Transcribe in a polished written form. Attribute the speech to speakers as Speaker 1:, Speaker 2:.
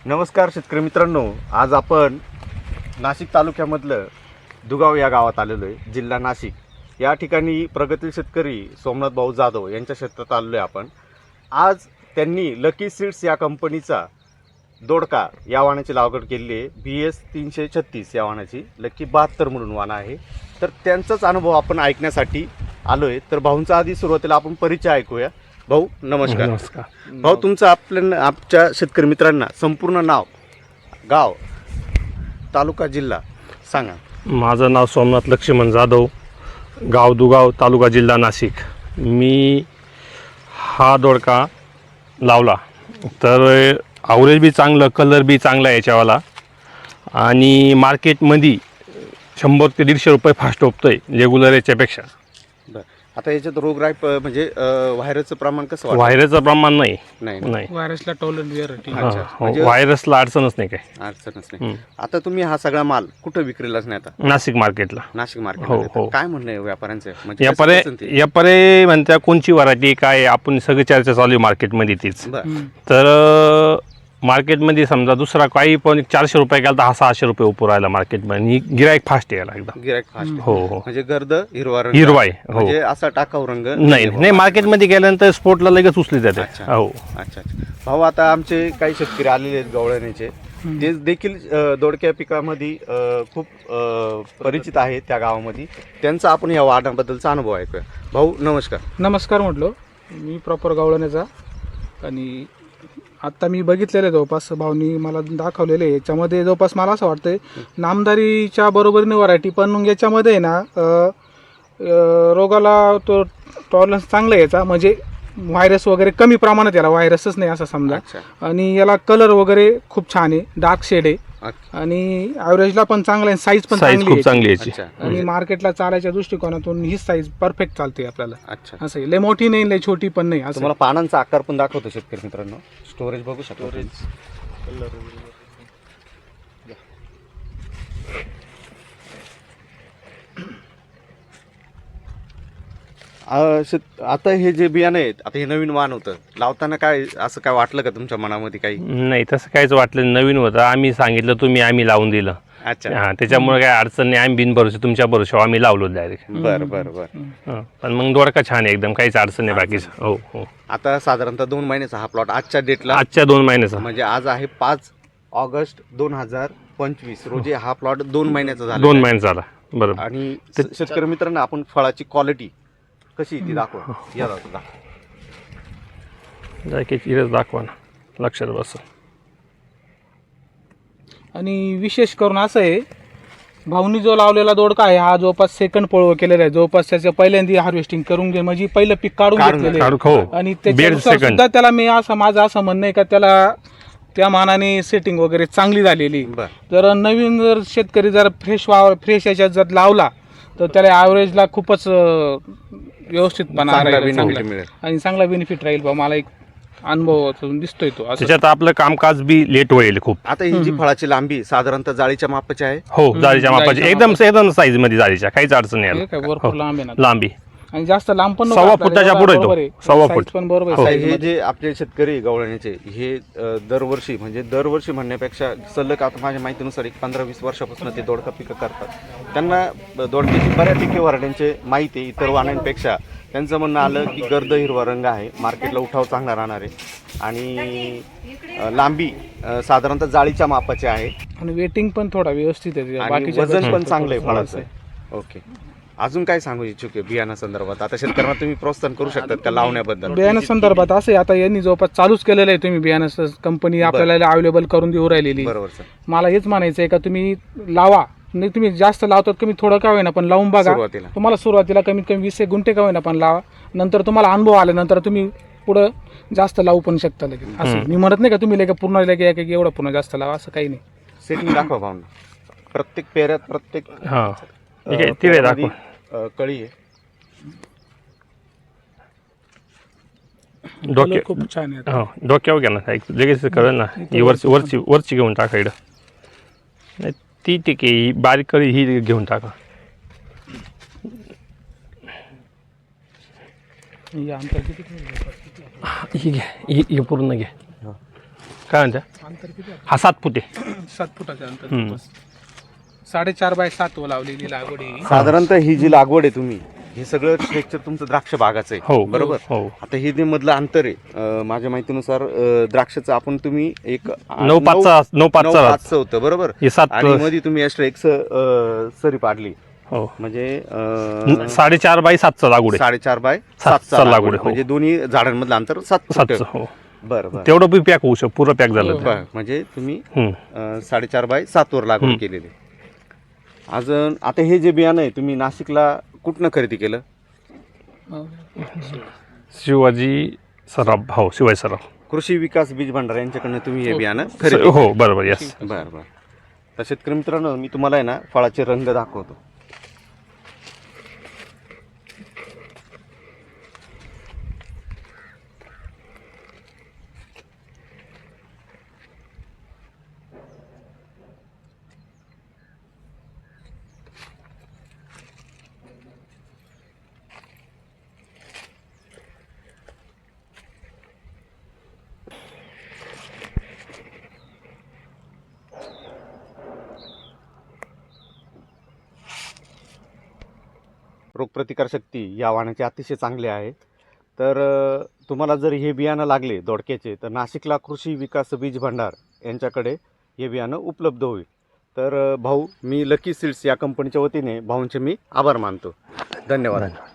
Speaker 1: नमस्कार शेतकरी मित्रांनो, आज आपण नाशिक तालुक्यामधलं दुगाव या गावात आलेलो आहे, जिल्हा नाशिक. या ठिकाणी प्रगतील शेतकरी सोमनाथ भाऊ जाधव यांच्या क्षेत्रात आलेलो आहे आपण. आज त्यांनी लकी सीड्स या कंपनीचा दोडका या वाणाची लागवड केलेली आहे. BS 336 या वाणाची लकी 72 म्हणून वाण आहे. तर त्यांचाच अनुभव आपण ऐकण्यासाठी आलो आहे. तर भाऊंचा आधी सुरुवातीला आपण परिचय ऐकूया. भाऊ नमस्कार.
Speaker 2: नमस्कार
Speaker 1: भाऊ, तुमचं आमच्या शेतकरी मित्रांना संपूर्ण नाव, गाव, तालुका, जिल्हा सांगा.
Speaker 2: माझं नाव सोमनाथ लक्ष्मण जाधव, गाव दुगाव, तालुका, जिल्हा नाशिक. मी हा दोडका लावला तर ॲव्हरेज बी चांगलं, कलर बी चांगला याच्यावाला आणि मार्केटमध्ये 100 ते 150 रुपये फास्ट ओपतं आहे रेग्युलर याच्यापेक्षा.
Speaker 1: बरं, आता याच्यात रोगराई म्हणजे व्हायरसचं प्रमाण कसं वाटतं?
Speaker 2: व्हायरसचं प्रमाण नाही.
Speaker 3: व्हायरसला टॉलरंट
Speaker 2: व्हायरसला अडचणच नाही काय,
Speaker 1: अडचणच नाही. आता तुम्ही हा सगळा माल कुठं विक्रीलाच नाही आता?
Speaker 2: नाशिक मार्केटला.
Speaker 1: नाशिक मार्केट.
Speaker 2: हो.
Speaker 1: काय म्हणणं आहे व्यापाऱ्यांचं? म्हणजे
Speaker 2: यापरे म्हणत्या कोणची व्हरायटी काय, आपण सगळी चर्चा चालू आहे मार्केटमध्ये तीच. तर मार्केटमध्ये समजा दुसरा काही पण 400 रुपये गेला तर हा 600 रुपये उपर राहिला मार्केटमध्ये. गिरायक फास्ट यायला एकदम.
Speaker 1: गिरायक फास्ट.
Speaker 2: हो.
Speaker 1: म्हणजे गर्द हिरवा रंग,
Speaker 2: हिरवा आहे. हो.
Speaker 1: म्हणजे असा टाकाऊ रंग
Speaker 2: नाही, मार्केटमध्ये गेल्यानंतर स्पोर्टला लगेच उचली जाते. हो.
Speaker 1: अच्छा. भाऊ, आता आमचे काही शेतकरी आलेले आहेत गवळण्याचे, ते देखील दोडक्या पिकामध्ये खूप परिचित आहेत त्या गावामध्ये. त्यांचा आपण या वाणाबद्दलचा अनुभव ऐकूया. भाऊ नमस्कार.
Speaker 3: नमस्कार म्हटलो. मी प्रॉपर गावळण्याचा आणि आत्ता मी बघितलेलं आहे जवळपास भाऊनी मला दाखवलेलं आहे. याच्यामध्ये जवळपास मला असं वाटतंय नामदारीच्या बरोबरीने व्हरायटी, पण मग याच्यामध्ये आहे ना रोगाला तो टॉलरन्स चांगला याचा, म्हणजे व्हायरस वगैरे कमी प्रमाणात, याला व्हायरसच नाही असं समजा. आणि याला कलर वगैरे खूप छान आहे, डार्क शेड आहे आणि ॲव्हरेजला पण चांगला आहे, साईज पण
Speaker 2: खूप चांगली याची.
Speaker 3: आणि मार्केटला चालायच्या दृष्टिकोनातून ही साईज परफेक्ट चालते आपल्याला.
Speaker 1: अच्छा.
Speaker 3: असं लय मोठी नाही, लय छोटी पण नाही. असं
Speaker 1: तुम्हाला पानांचा आकार पण दाखवतो शेतकरी मित्रांनो. स्टोरेज बघू शकतो. आता हे जे बियाणं आहेत, आता हे नवीन वाण होतं, लावताना काय असं काय वाटलं का तुमच्या मनामध्ये काही?
Speaker 2: नाही, तसं काहीच वाटलं. नवीन होतं, आम्ही सांगितलं, आम्ही लावून दिलं.
Speaker 1: अच्छा.
Speaker 2: त्याच्यामुळे काय अडचण नाही. आम्ही बिनभरोसे तुमच्या भरोशावर आम्ही लावलो डायरेक्ट.
Speaker 1: बरं.
Speaker 2: पण मग दोडका छान आहे एकदम, काहीच अडचण नाही बाकीच. हो.
Speaker 1: आता साधारणतः 2 महिन्याचा हा प्लॉट आजच्या डेटला,
Speaker 2: आजच्या 2 महिन्याचा,
Speaker 1: म्हणजे आज आहे 5 ऑगस्ट 2025 रोजी हा प्लॉट 2 महिन्याचा झाला.
Speaker 2: 2 महिने झाला. बरोबर.
Speaker 1: आणि शेतकरी मित्रांना आपण फळाची क्वालिटी कशी ती दाखवा. या
Speaker 2: दाखवा ना, लक्षात बस.
Speaker 3: आणि विशेष करून असं आहे, भाऊनी जो लावलेला दोडका आहे हा जवळपास सेकंड पळव केलेला आहे. जवळपास त्याचं पहिल्यांदा हार्वेस्टिंग करून घे, म्हणजे पहिलं पीक काढून घेतलेलं आहे. आणि त्याच्यानुसार सुद्धा त्याला माझं असं म्हणणं आहे का त्याला त्या मानाने सेटिंग वगैरे चांगली झालेली. जर नवीन शेतकरी जर फ्रेश याच्यात जर लावला तर त्याला ॲव्हरेजला खूपच व्यवस्थितपणा मिळेल आणि चांगला बेनिफिट राहील. बा मला एक अनुभव दिसतोय तो.
Speaker 2: त्याच्यात आपलं कामकाज बी लेट होईल खूप.
Speaker 1: आता ही जी फळाची लांबी साधारणतः जाळीच्या मापाची आहे.
Speaker 2: हो, जाळीच्या मापाची, एकदम साईज मध्ये जाळीच्या, काहीच अडचण नाही.
Speaker 3: भरपूर लांब आहे ना,
Speaker 2: लांबी
Speaker 3: आणि जास्त लांब पण
Speaker 2: 1.25 फुटाच्या पुढे येतो. 1.25 फूट
Speaker 3: पण बरोबर.
Speaker 1: हे जे आपले शेतकरी गवळण्याचे हे दरवर्षी म्हणण्यापेक्षा सलग, आता माझ्या माहितीनुसार 15-20 वर्षापासून ते दोडका पिकं करतात. त्यांना दोडक्याची बऱ्यापैकी व्हरायटींचे माहिती आहे इतर वाणांपेक्षा. त्यांचं म्हणणं आलं की गर्द हिरवा रंग आहे, मार्केटला उठाव चांगला राहणार आहे आणि लांबी साधारणतः जाळीच्या मापाची आहे
Speaker 3: आणि वेटिंग पण थोडा व्यवस्थित आहे,
Speaker 1: आणि वजन पण चांगलं आहे फळाचं. ओके. अजून काय सांगू इच्छुक आहे बियाणा संदर्भात? आता शेतकऱ्यांना तुम्ही प्रोत्साहन करू शकतात का लावण्याबद्दल?
Speaker 3: बियाणा संदर्भात असं आहे, आता यांनी जवळपास चालूच केलेलं आहे. तुम्ही बियाणा कंपनी आपल्याला अवेलेबल करून देऊ राहिलेली.
Speaker 1: बरोबर सर.
Speaker 3: मला हेच म्हणायचं आहे का तुम्ही लावा. नाही, तुम्ही जास्त लावतात कमी थोडं का होईना पण लावून बघा. तुम्हाला सुरुवातीला कमीत कमी 20 गुंठे का होईना पण लावा. नंतर तुम्हाला अनुभव आल्यानंतर तुम्ही पुढं जास्त लावू पण शकता लगेच. असं मी म्हणत नाही का तुम्ही लगे पूर्ण लगे एवढं पूर्ण जास्त लावा, असं काही नाही.
Speaker 1: सेटिंग दाखवा भावना. प्रत्येक पेऱ्यात प्रत्येक
Speaker 2: तिळे दाखवा.
Speaker 1: कळी आहे.
Speaker 3: खूप छान आहे.
Speaker 2: डोक्यावर घ्या ना, लगेच कळेल ना. ही वरची घेऊन टाका इकडं. नाही, ती ठीक आहे. ही बारीक कळी ही घेऊन टाका.
Speaker 3: ही अंतर किती?
Speaker 2: ही घ्या, ही पूर्ण घ्या. काय म्हणता
Speaker 3: अंतर किती आहे?
Speaker 2: हा 7 फूट आहे
Speaker 3: 7 फुटाचं अंतर. 4.5 बाय 7 लावलेली लागवड आहे.
Speaker 1: साधारणतः ही जी लागवड आहे तुम्ही हे सगळं स्ट्रक्चर तुमचं द्राक्ष बागाचं आहे
Speaker 2: हो
Speaker 1: बरोबर.
Speaker 2: हो
Speaker 1: आता हे जे मधलं अंतर आहे माझ्या माहितीनुसार द्राक्षाचं आपण तुम्ही एक
Speaker 2: 9.5चं
Speaker 1: होतं बरोबर.
Speaker 2: हे 7
Speaker 1: आणि मध्ये तुम्ही एक्स्ट्रा एक सरी पाडली
Speaker 2: हो
Speaker 1: म्हणजे
Speaker 2: 4.5 बाय 7चं लागवड आहे
Speaker 1: 4.5 बाय
Speaker 2: 7चं
Speaker 1: 7
Speaker 2: लागवड आहे, हो.
Speaker 1: म्हणजे दोन्ही झाडांमधलं अंतर 7 फूट.
Speaker 2: 7चं हो
Speaker 1: बरं बरं
Speaker 2: तेवढं बी पॅक होऊ शकतो पुरं पॅक झालं तर.
Speaker 1: बरं. म्हणजे तुम्ही
Speaker 2: हम्म.
Speaker 1: 4.5 बाय 7 वर लागवड केलेली. अजून आता हे जे बियाणं आहे तुम्ही नाशिकला कुठनं खरेदी केलं.
Speaker 2: शिवाजी सराफ हो शिवाजी सराफ
Speaker 1: कृषी विकास बीज भंडार यांच्याकडनं तुम्ही हे बियाणं खरेदी
Speaker 2: हो बरोबर यस.
Speaker 1: बरं बरं. तर शेतकरी मित्रांनो मी तुम्हाला आहे ना फळाचे रंग दाखवतो. रोगप्रतिकारशक्ती या वाणाचे अतिशय चांगले आहे. तर तुम्हाला जर हे बियाणं लागले दोडक्याचे तर नाशिकला कृषी विकास बीज भंडार यांच्याकडे हे बियाणं उपलब्ध होईल. तर भाऊ मी लकी सीड्स या कंपनीच्या वतीने भाऊंचे मी आभार मानतो. धन्यवाद.